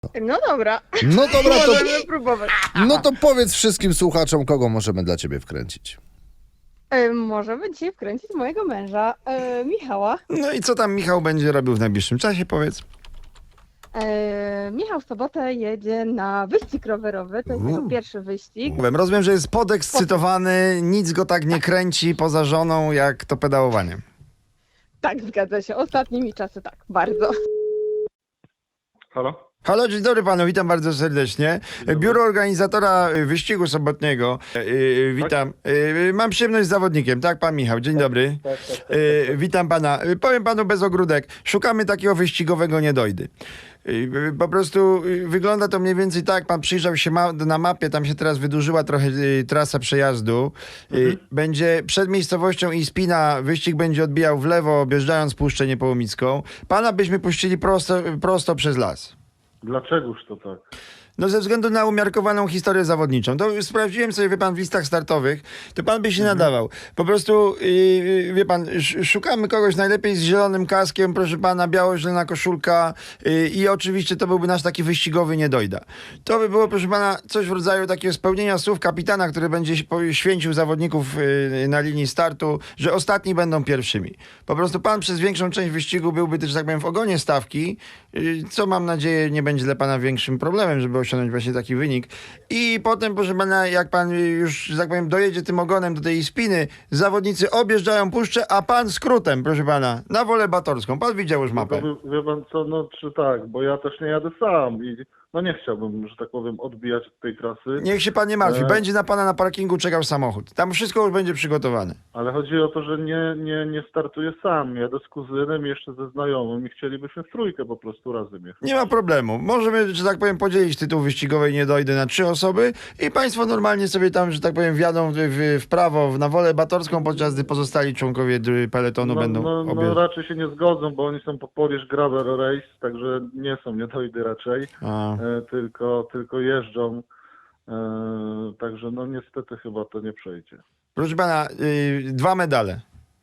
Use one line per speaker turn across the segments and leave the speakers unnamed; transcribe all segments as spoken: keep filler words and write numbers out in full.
No dobra.
No dobra, to,
Możemy próbować.
no to powiedz wszystkim słuchaczom, kogo możemy dla ciebie wkręcić.
E, możemy dzisiaj wkręcić mojego męża, e, Michała.
No i co tam Michał będzie robił w najbliższym czasie, powiedz?
E, Michał w sobotę jedzie na wyścig rowerowy. To jest jego
Uuu.
pierwszy wyścig.
Rozumiem, że jest podekscytowany, nic go tak nie kręci poza żoną, jak to pedałowanie.
Tak, zgadza się. Ostatnimi czasy tak, bardzo.
Halo?
Halo, dzień dobry panu, witam bardzo serdecznie. Biuro organizatora wyścigu sobotniego. Yy, witam. Yy, mam przyjemność z zawodnikiem, tak, pan Michał, dzień dobry.
Tak, tak, tak.
Yy, witam pana. Yy, powiem panu bez ogródek, szukamy takiego wyścigowego niedojdy. Yy, po prostu yy, wygląda to mniej więcej tak, pan przyjrzał się ma na mapie, tam się teraz wydłużyła trochę yy, trasa przejazdu. Yy,
Mhm.
Będzie przed miejscowością Ispina, wyścig będzie odbijał w lewo, objeżdżając Puszczę Niepołomicką. Pana byśmy puścili prosto, prosto przez las.
Dlaczegoż to tak?
No ze względu na umiarkowaną historię zawodniczą. To sprawdziłem sobie, wie pan, w listach startowych, to pan by się nadawał. Po prostu, yy, wie pan, sz- szukamy kogoś najlepiej z zielonym kaskiem, proszę pana, biało-zielona koszulka yy, i oczywiście to byłby nasz taki wyścigowy niedojda. To by było, proszę pana, coś w rodzaju takiego spełnienia słów kapitana, który będzie się po- święcił zawodników yy, na linii startu, że ostatni będą pierwszymi. Po prostu pan przez większą część wyścigu byłby też, że tak powiem, w ogonie stawki, yy, co mam nadzieję nie będzie dla pana większym problemem, żeby osiągnąć właśnie taki wynik. I potem, proszę pana, jak pan już, że tak powiem, dojedzie tym ogonem do tej Ispiny, zawodnicy objeżdżają puszczę, a pan skrótem, proszę pana, na Wolę Batorską. Pan widział już
No
mapę.
to wie, wie pan co, no czy tak, bo ja też nie jadę sam i no nie chciałbym, że tak powiem, odbijać od tej trasy,
Niech się pan nie martwi,
E.
będzie na pana na parkingu czekał samochód. Tam wszystko już będzie przygotowane.
ale chodzi o to, że nie, nie, nie startuję sam, jadę z kuzynem, jeszcze ze znajomym i chcielibyśmy w trójkę po prostu razem jechać.
Nie ma problemu. Możemy, że tak powiem, podzielić tytuł wyścigowej niedojdy na trzy osoby i państwo normalnie sobie tam, że tak powiem, wjadą w, w, w prawo, w- na Wolę Batorską, podczas gdy pozostali członkowie dr- peletonu
No,
będą
no, no
objeżdżać.
raczej się nie zgodzą, bo oni są po Polish Gravel Race, także nie są niedojdy raczej,
A.
e, tylko, tylko jeżdżą, e, także no niestety chyba to nie przejdzie.
Proszę pana, yy, dwa medale.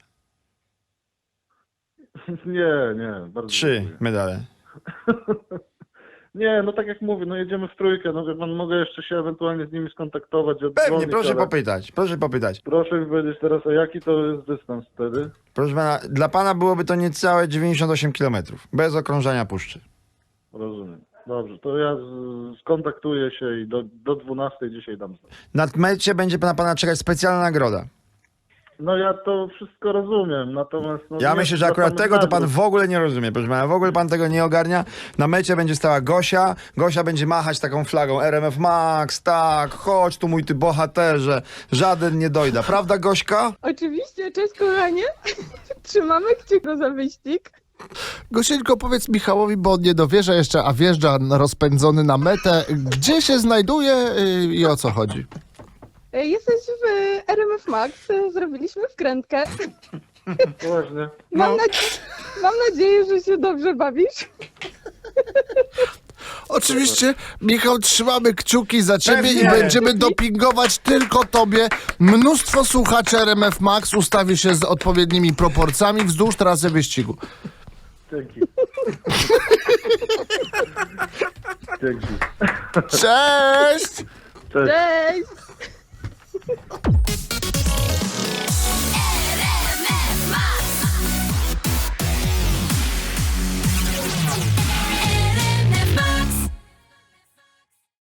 Nie, nie, bardzo
Trzy
dziękuję.
medale.
Nie, no tak jak mówię, no jedziemy w trójkę, no wie pan, mogę jeszcze się ewentualnie z nimi skontaktować,
Pewnie,
oddzwonić,
proszę
ale
popytać, proszę popytać.
proszę mi powiedzieć teraz, a jaki to jest dystans wtedy?
Proszę pana, dla pana byłoby to niecałe dziewięćdziesiąt osiem kilometrów, bez okrążania puszczy.
Rozumiem. Dobrze, to ja z, skontaktuję się i do, do dwunastej dzisiaj dam znać.
Na mecie będzie na pana czekać specjalna nagroda.
No ja to wszystko rozumiem, natomiast... No,
Ja
nie
myślę, że
dla
akurat
samych
tego to pan
nagród.
w ogóle nie rozumie, proszę pana, w ogóle pan tego nie ogarnia. Na mecie będzie stała Gosia, Gosia będzie machać taką flagą R M F Max, tak, chodź tu mój ty bohaterze, żaden nie dojda, prawda Gośka?
Oczywiście, cześć kochanie. Trzymamy kciuki za wyścig.
Gosieńko, powiedz Michałowi, bo on nie dowierza jeszcze, a wjeżdża rozpędzony na metę. Gdzie się znajduje y, i o co chodzi?
E, Jesteś w R M F Max. E, Zrobiliśmy wkrętkę.
Właśnie.
Mam,
No.
nadzie- mam nadzieję, że się dobrze bawisz.
Oczywiście, Michał, trzymamy kciuki za ciebie
Pewnie.
i będziemy dopingować tylko tobie. Mnóstwo słuchaczy R M F Max ustawi się z odpowiednimi proporcjami wzdłuż trasy wyścigu.
Dzięki. Dzięki.
Cześć!
Cześć.
Cześć!